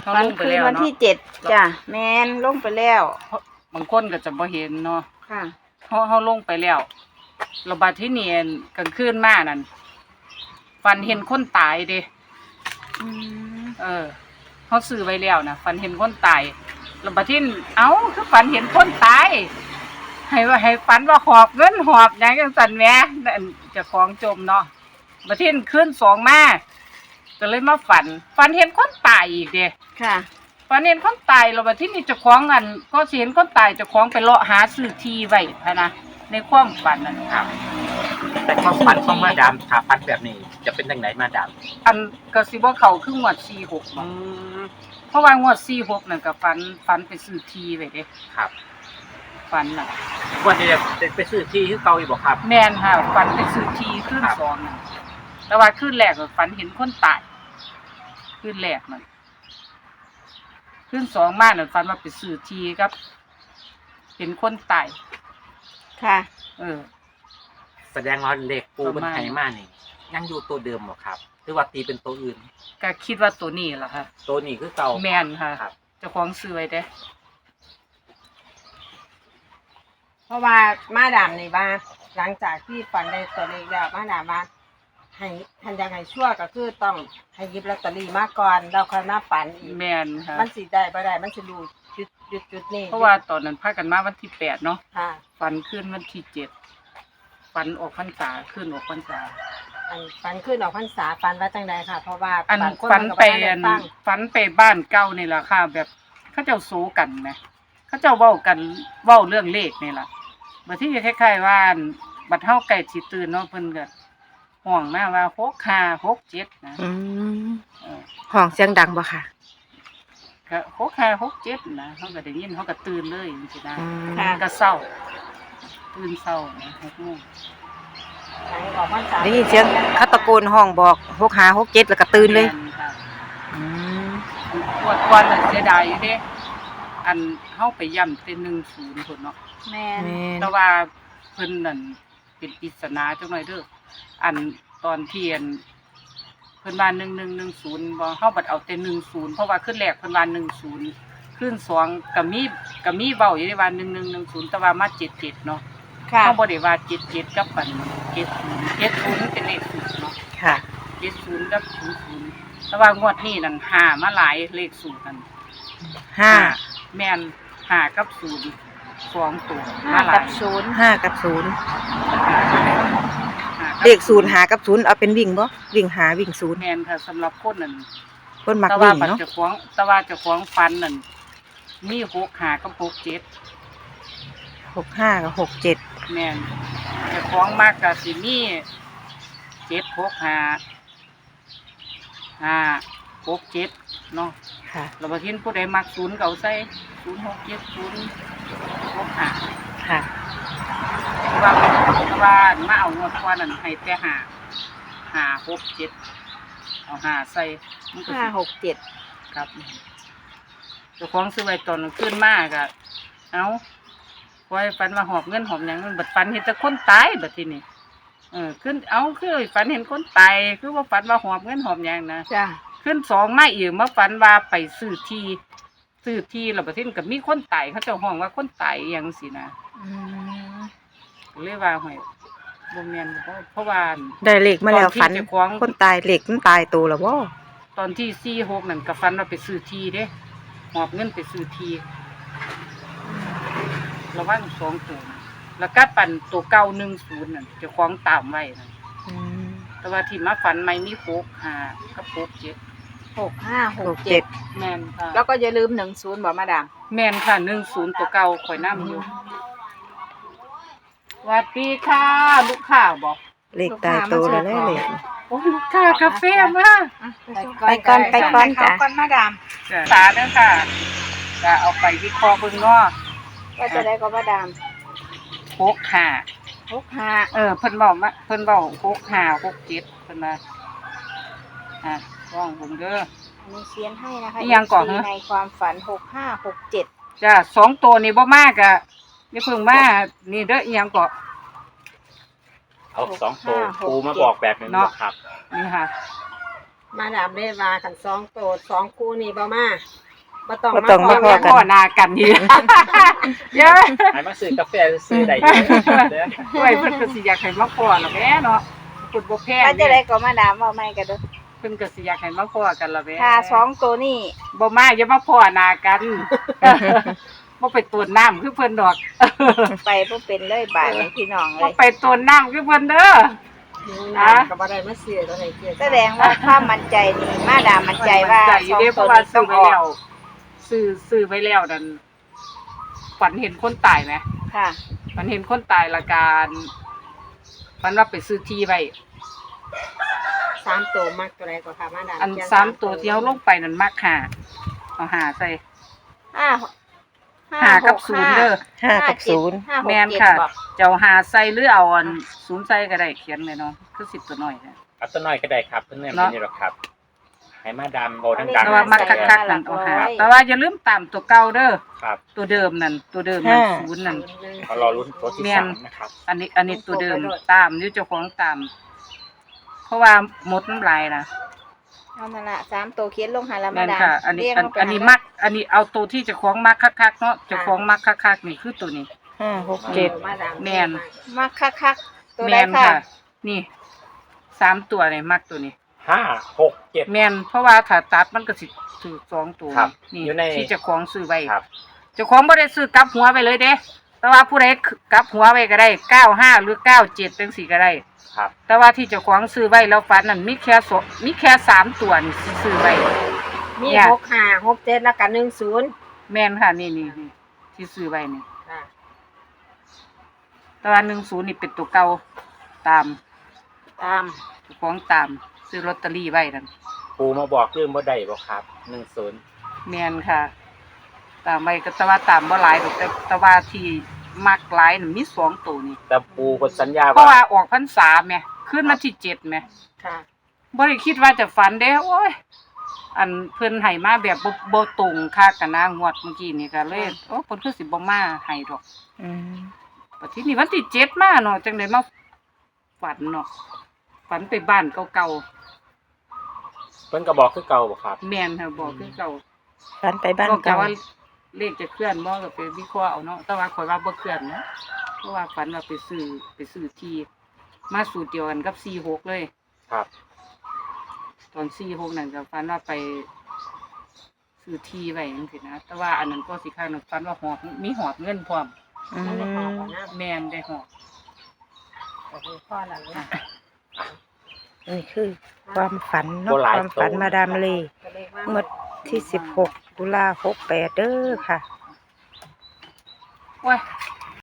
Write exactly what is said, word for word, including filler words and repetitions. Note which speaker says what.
Speaker 1: เขา
Speaker 2: ฝัน
Speaker 1: ลงไป
Speaker 2: คืน
Speaker 1: แล้ว
Speaker 2: วัน
Speaker 1: เนาะ
Speaker 2: ที่เจ็ดจ้ะแมนลงไปแล้ว
Speaker 1: บางคนก็จะบ่เห็นเนาะ
Speaker 2: ค่ะ
Speaker 1: เฮาเฮาลงไปแล้วระบาดที่นี่กลางคืนมานั่นฝันเห็นคนตายเด้
Speaker 2: อืม
Speaker 1: เออเฮาซื้อไว้แล้วนะฝันเห็นคนตายระบาดที่เอ้าคือฝันเห็นคนตายให้ว่าให้ฝันว่าหอบเงินหอบหยังจังซั่นแหมนั่นเจ้าของจมเนาะบัดทีคืนสองมาก็เลยมาฝันฝันเห็นคนตายอีกเด้
Speaker 2: ค่ะ
Speaker 1: ฝันเห็นคนตายแล้วบัดทีนี้เจ้าของอันก็สิเห็นคนตายเจ้าของไปเลาะหาซื้อที่ไว้พะนะในความฝันนั่น
Speaker 3: ครับ แต่ความฝันของมาดามถ้าฝันแบบนี้จะเป็นจังไดมาดาม
Speaker 1: อันก็สิบ่เข้าคืองวดสี่หก
Speaker 3: อื
Speaker 1: บ่
Speaker 3: ม
Speaker 1: เพราะว่างวดสี่หกนั่นก็ฝันฝันไปซื้อที่ไว้เด้
Speaker 3: ครับ
Speaker 1: ฝันน่ะ
Speaker 3: วันนี้จะไปซื้อที่คือเก่าอีกบ่ครับ
Speaker 1: แม่นค่ะฝันไปซื้อที่คืน
Speaker 3: ครับ
Speaker 1: สองนั่นแต่ว่าคืนแรกก็ฝันเห็นคนตายคืนแรกนั่นคืนสองมานั่นฝันว่าไปซื้อที่ครับเห็นคนตาย
Speaker 2: ค่ะ
Speaker 1: เออ
Speaker 3: แสดงว่าเลขปู
Speaker 1: ป
Speaker 3: มั
Speaker 1: ระ
Speaker 3: น
Speaker 1: มาณ
Speaker 3: ไทมานี่ยังอยู่ตัวเดิมบ่ครับ หรือว่าตีเป็นตัวอื่น
Speaker 1: ก็คิดว่าตัวนี้ล่ะค่ะ
Speaker 3: ตัวนี้คือเก่า
Speaker 1: แม่นค่ะ
Speaker 3: ครับ
Speaker 1: เจ้าของซื้อไว้เด้
Speaker 2: เพราะว่ามาดามนี่ว่าหลังจากที่ฝันได้ตัวเลขแล้วมาดามว่าให้ทันยังไงชั่วก็คือต้องให้หยิบลอตเตอรี่มาก่อนแล้วค่อยมาฝันอีก
Speaker 1: แม่นค่ะ
Speaker 2: มันสิได้บ่ได้มันสิรู้จุดจุดจุดนี้
Speaker 1: เพราะว่าตอนนั้นพากันมาวันที่แปดเนาะ
Speaker 2: ค่ะ
Speaker 1: ฝันขึ้นวันที่เจ็ดฝันออกพรรษาขึ้นออกพรรษา
Speaker 2: อันฝันขึ้นออกพรรษาฝันว่าจังใดค่ะ เพราะว่า
Speaker 1: อัน
Speaker 2: บางค
Speaker 1: ฝัน
Speaker 2: มัก็
Speaker 1: ไป
Speaker 2: บ่ทั
Speaker 1: อัน
Speaker 2: ได้ฟัง
Speaker 1: ฝันไปบ้านเก่านี่แหละค่ะ แบบเขาเจ้าสู้กันไหมเขาเจ้าเว้ากันเว้าเรื่องเลขนี่ล่ะบัดที่คล้ายๆว่าอันบัดเฮาใกล้สิตื่นเนาะเพิ่นก็ห่วงมาว่าหกห้า หกเจ็ดนะ
Speaker 4: อืม
Speaker 1: เออ
Speaker 4: ห้องเสียงดังบ่ค่ะ
Speaker 1: ก็หกห้า หกเจ็ดนะเฮาก็ได้ยินเฮาก็ตื่นเลยจังซี่นะ
Speaker 4: อืม
Speaker 2: ค่ะ
Speaker 1: ก็เศร้าตื่นเศร้านะหกโมง
Speaker 2: หลังออกพรรษา
Speaker 4: ได้ยินเสียงเขาตะโกนห้องบอกหกหาหกเจ็ดแล้วก็ตื่นเลย
Speaker 1: แม่ค่ะ
Speaker 4: อืม
Speaker 1: ปวดก่อนน่ะเสียดายอยู่เด้อันเฮาไปย่ำเป็นหนึ่งศูนย์พุ่นเนาะ
Speaker 2: แม่น
Speaker 4: แม่น
Speaker 1: แต่ว่าเพิ่นนั่นเป็นปริศนาจังหน่อยเด้ออันตอนเที่ยนเพิ่นว่าหนึ่งหนึ่งหนึ่งศูนย์บ่เฮาบัดเอาแต่หนึ่งศูนย์เพราะว่าขึ้นแรกเพิ่นว่าหนึ่งศูนย์ขึ้นสองก็มีก็มีเว้าอยู่ในว่าหนึ่งหนึ่งหนึ่งศูนย์แต่ว่ามาเจ็ดเจ็ดเนาะ
Speaker 2: ค่ะ
Speaker 1: เฮาบ่ได้ว่าเจ็ดเจ็ดกับปันเจ็ดศูนย์เจ็ดศูนย์เป็นเลขสูตรเนาะ
Speaker 4: ค่ะ
Speaker 1: เจ็ดศูนย์กับศูนย์ศูนย์แต่ว่างวดนี้นั่นห้ามาหลายเลขสูตรนั่น
Speaker 4: ห้า
Speaker 1: แม่นห้ากับศูนย์สองตัว
Speaker 2: ห้า
Speaker 1: มาหลา
Speaker 2: กั
Speaker 1: ย
Speaker 2: บศูนย์
Speaker 4: ห้ากับศูนย์
Speaker 1: ห้ากับ
Speaker 4: เลขศูนย์หากับศูนย์เอาเป็นวิ่งบ่วิ่งหาวิ่งศูนย์
Speaker 1: แม่นค่ะสำหรับคนนั่น
Speaker 4: คนมัก
Speaker 1: แต่ว่า
Speaker 4: วิ่ง
Speaker 1: ปัจ
Speaker 4: เนาะ
Speaker 1: จุบันแต่ว่าเจ้าของฟันนั่นมีหกหากับหกเจ็ด
Speaker 4: หกห้ากับหกเจ็ด
Speaker 1: แม่นเจ้าของมากกับสิมีเจ็ดหกหาห้าหกเจ็ดเนาะ
Speaker 4: ค่ะ
Speaker 1: เราบทิ้นผู้ใดมักศูนย์เก่าใส่ศูนย์หกเจ็ดศูนย์หกหา
Speaker 4: ค่ะ
Speaker 1: แต่ว่าแต่ว่ามาเอางวดกว่านั่นให้แต่หาหาหกเจ็ดเอาหาใส่มันก็
Speaker 2: ห้า
Speaker 1: สิ
Speaker 2: หกเจ็ด
Speaker 1: ครับเจ้าของซื้อไว้ตอนขึ้นมากอะเอาไว้ฝันว่าหอบเงินหอบหยังมันบัดฝันเห็นแต่คนตายบัดทีนี้เออขึ้นเอาคือฝันเห็นคนตายคือว่าฝันว่าหอบเงินหอบหยังนะ
Speaker 2: จ้ะ
Speaker 1: ขึ้นสองมาอีกมาฝันว่าไปซื้อที่ซื้อที่แล้วบัดทีนี้ก็มีคนตายเขาเจ้าห้องว่าคนตายอหยังสินะ
Speaker 2: อืม
Speaker 1: ก็เลยว่าหอยบ่แม่นเพราะเพราะว่า
Speaker 4: ได้เลขมาแล้วฝัน
Speaker 1: ตอนที่เจ้าของ
Speaker 4: คนตายเลขมันตายตัวแล้วบ่
Speaker 1: ตอนที่สี่หกนั่นก็ฝันว่าไปซื้อที่เด้หอบเงินไปซื้อที่ระวังสองตัวนะแล้วก็ปั่นตัวเก้าหนึ่งศูนย์นั่นเจ้าของตามไว้นั่น
Speaker 4: อืม
Speaker 1: แต่ว่าที่มาฝันไม่มีโคกหากับโคกเจ็ด
Speaker 2: หกห้าห
Speaker 4: ห
Speaker 2: ก
Speaker 4: ก
Speaker 2: เจ็
Speaker 4: เจ็
Speaker 2: ด
Speaker 4: ด
Speaker 1: แม่นค่ะ
Speaker 2: แล้วก็อย่าลืมหนึ่งศูนย์บอกมาดาม
Speaker 1: แม่นค่ะหนึ่งศูนย์ตัวเก่าข่อยน้ำอยู่สวัสดีค่ะลูกค้าบอก
Speaker 4: เลขตายตัวแล้วเลยเลข
Speaker 1: โอ้ยลูกค้ากาแฟมา
Speaker 4: ไปก่อนไปก่อนจ้ะ
Speaker 2: ก่อนมาดาม
Speaker 1: สาเด้อค่ะจะเอาไปวิเคราะห์เบิ่งเนาะ
Speaker 2: ว่าจะได้ก็มาดาม
Speaker 1: โคกหา
Speaker 2: หกห้า
Speaker 1: เออเพิ่นบอกมาเพิ่นบอกหกห้าหกเจ็ดเพิ่นมาอ่ะว่องผมเด้อ
Speaker 2: อันนี้เขียนให้นะคะ
Speaker 1: นี่ยังก่อนเหรอ
Speaker 2: ในความฝันหกห้าหกเจ็ด
Speaker 1: จ้าสองตัวนี่บ่มากอะนี่เพิ่งมานี่เด้ออีหยังก็
Speaker 3: เอาสองตัวปูมาบอกแบบนี้บ่ครับ
Speaker 1: นี่ค่ะ
Speaker 2: มาดามได้ว่ากันสองโตสองคู่นี่บ่มาบ่ต้อง
Speaker 4: บ่ต้อง
Speaker 2: มา
Speaker 4: มา
Speaker 2: ข
Speaker 4: พ
Speaker 2: อ
Speaker 4: อ
Speaker 1: พ่อนากันนี่ เยอะ
Speaker 3: ให้มาซื้อกาแฟซื้อได้อยู่เด้อ
Speaker 1: โอ้ยเพิ่นก็สิอยากให้มาพ่อล่ะแหม่เนาะเพิ่นบ่แพ้
Speaker 5: ว่าจะได้ก็มาดามเว้าใหม่กันเด้อ
Speaker 1: เพิ่นก็สิอยากให้มาพ่อกันล่ะแหม่
Speaker 5: ถ้าสองตัวนี้
Speaker 1: บ่มาอย่ามาพ่อหน้ากัน บ่ไปตวนน้ำคือเพิ่นดอก
Speaker 5: ไปบ่เป็นเลยบาดนี้พี่น้องเล
Speaker 1: บ่
Speaker 5: ย
Speaker 1: ไปตวนน้ำคือเพิ่นเด้อ
Speaker 2: นะก็บ่ได้มาเสียตัวไหนเกียรติ
Speaker 5: แสดงว่าความมั่นใจนี่มาดามมั่นใจว่า
Speaker 1: ใจอ
Speaker 5: ส
Speaker 1: ยู่
Speaker 5: อง
Speaker 1: เด้เพ
Speaker 5: ตัว
Speaker 1: ราะว่า
Speaker 5: นี้ต้
Speaker 1: ซื้
Speaker 5: อ
Speaker 1: อง ไว้
Speaker 5: ออ
Speaker 1: แล้
Speaker 5: ก
Speaker 1: วซื้อซื้อไว้แล้วนั่นฝันเห็นคนตายไหม
Speaker 5: ค่ะ
Speaker 1: ฝันเห็นคนตายละการฝันว่าไปซื้อที่ไว้
Speaker 2: สามตัวมักตัวไหนก็ค่ะมาดาม
Speaker 1: อัน
Speaker 2: เขีย
Speaker 1: สามตัวที่เขาลงไปนั่นมักหาเอาหาใส่
Speaker 5: ห้า
Speaker 1: หากับศูนย์เด้อ
Speaker 4: ห้ากับศูนย์
Speaker 5: ห้าหก
Speaker 1: แม่น
Speaker 5: เจ็ด
Speaker 1: ค่ะ
Speaker 5: บอก
Speaker 1: เจ้าหาใส่หรือเอาอันศูนย์ใส่ก็ได้เขียนเลยเนาะคือสิบตัวหน่อยนะ
Speaker 3: เอาตัวน้อยก็ได้ครับเพิ่นแม่น
Speaker 1: เนาะ
Speaker 3: นี่หรอกครับ ให้มาดามโบดัง
Speaker 1: แต่ว่ามักคักๆนั่นเอาหาแต่ว่าอย่าลืมตามตัวเก่าเด้อ
Speaker 3: ๆครับ
Speaker 1: ตัวเดิมนั่นตัวเดิมนั่น
Speaker 4: ห้า
Speaker 1: ศูนย์นั่น
Speaker 3: เขารอลุ้นตัวที่
Speaker 1: แม่น
Speaker 3: สามนะครับ
Speaker 1: อันนี้อันนี้ตัวเดิมตามนี่เจ้าของตาม เพราะว่าหมดน้ำลายนะ
Speaker 5: เอานั่นล่ะสามตัวเขียนลงหาละ
Speaker 1: แม่
Speaker 5: มาน ดาม
Speaker 1: ค่ะ อันนี้
Speaker 5: เรียง
Speaker 1: อัน
Speaker 5: ลงไป
Speaker 1: อันนี้
Speaker 5: หาละ
Speaker 1: มัก อันนี้เอาตัวที่เจ้าของมักคักๆเนาะเจ้าของมักคักๆนี่คือตัวนี้
Speaker 4: ห้าหกเจ็ด
Speaker 2: มาดาม
Speaker 1: แม่น
Speaker 5: มักคักๆตัว
Speaker 1: แม
Speaker 5: ใด
Speaker 1: น
Speaker 5: ค่ะ
Speaker 1: ค่ะ นี่สามตัวนี่มักตัวนี้
Speaker 3: ห้าหกเจ็ด
Speaker 1: แมนเพราะว่าถ้าตัดมันก็สิถือสองตัว
Speaker 3: ครับ
Speaker 1: นี่
Speaker 3: อยู่ใน
Speaker 1: ที่เจ้าของซื้อไว้
Speaker 3: ครับ
Speaker 1: เจ้าของบ่ได้ซื้อกลับหัวไปเลยเด้ แต่ว่าผู้ใดกลับหัวไว้ก็ได้เก้าห้าหรือเก้าเจ็ดจังสี่ก็ได้
Speaker 3: ครับ
Speaker 1: แต่ว่าที่เจ้าของซื้อไว้แล้วฝันนั่นมีแค่สองมีแค่สามตัวนี่ที่ซื้อไว้
Speaker 2: มี
Speaker 1: เนี่ย
Speaker 2: หกห้าหกเจ็ดแล้วก็หนึ่งศูนย์
Speaker 1: แม่นค่ะนี่นี่นี่ที่ซื้อไว้นี่
Speaker 2: ค่ะ
Speaker 1: แต่ว่าหนึ่งศูนย์นี่เป็นตัวเก่าตาม
Speaker 5: ตาม
Speaker 1: เจ้าของตามซื้อลอตเตอรี่ไว้นั่น
Speaker 3: ปูมาบอกเรื่องบ่ได้บ่ครับหนึ่งศูนย์
Speaker 1: แม่นค่ะ ตามไว้ก็แต่ว่าตามบ่หลายดอกแต่แต่ว่าที่มักหลายน่ะมีสองตัวนี่
Speaker 3: แต่ปูเพิ่นสัญญา
Speaker 1: เพราะ
Speaker 3: ว่า
Speaker 1: ว่าออกพรรษาแหม่ขึ้นมาที่เจ็ดแหม่
Speaker 2: ค่ะ
Speaker 1: บ่ได้คิดว่าจะฝันเด้โอ้ยอันเพิ่นให้มาแบบบ่บ่ตรงคักกันนะงวดเมื่อกี้นี่ก็เลยโอ้เพิ่นคือสิบ่มาให้ดอก
Speaker 4: อืม
Speaker 1: บัดทีนี้วันที่เจ็ดมาเนาะจังได๋มาฝันเนาะฝันไปบ้านเก่า
Speaker 3: เพิ่นก็บอกคือเก่าบ่ครับ
Speaker 1: ๆแม่นค่ะบอกคือเก่า
Speaker 4: ฝันไปบ้าน
Speaker 1: ก็กะ
Speaker 4: เก่า
Speaker 1: ว่าเลขจะเคลื่อนบ่ก็ไปวิเคราะห์เอาเนาะแต่ว่าข่อยว่าบ่เคลื่อนเนาะเพราะว่าฝันว่าไปซื้อไปซื้อที่มาสูตรเดียวกันกับสี่หกเลย
Speaker 3: ครับ
Speaker 1: ตอนสี่หกนั่นก็ฝันว่าไปซื้อที่ไว้จังซี่นะแต่ว่าอันนั้นก็สิข้างนึงฝันว่าหอบมีหอบเงินพร้อม
Speaker 4: อื
Speaker 2: มันได้พอ
Speaker 4: ม
Speaker 2: ก่อนนะ
Speaker 1: แม่นได้หอบ
Speaker 2: ก็คือพ่อหลังนะ
Speaker 4: นี่คือ ความฝัน
Speaker 3: บ่
Speaker 4: เนาะ
Speaker 3: หลาย
Speaker 4: ความฝัน
Speaker 3: ตัว
Speaker 4: มาดามเล
Speaker 2: ก็เลยว่า
Speaker 4: เมื่อที่สิบหกตุลาหกแปดเด้อค่ะ
Speaker 1: โอ้ย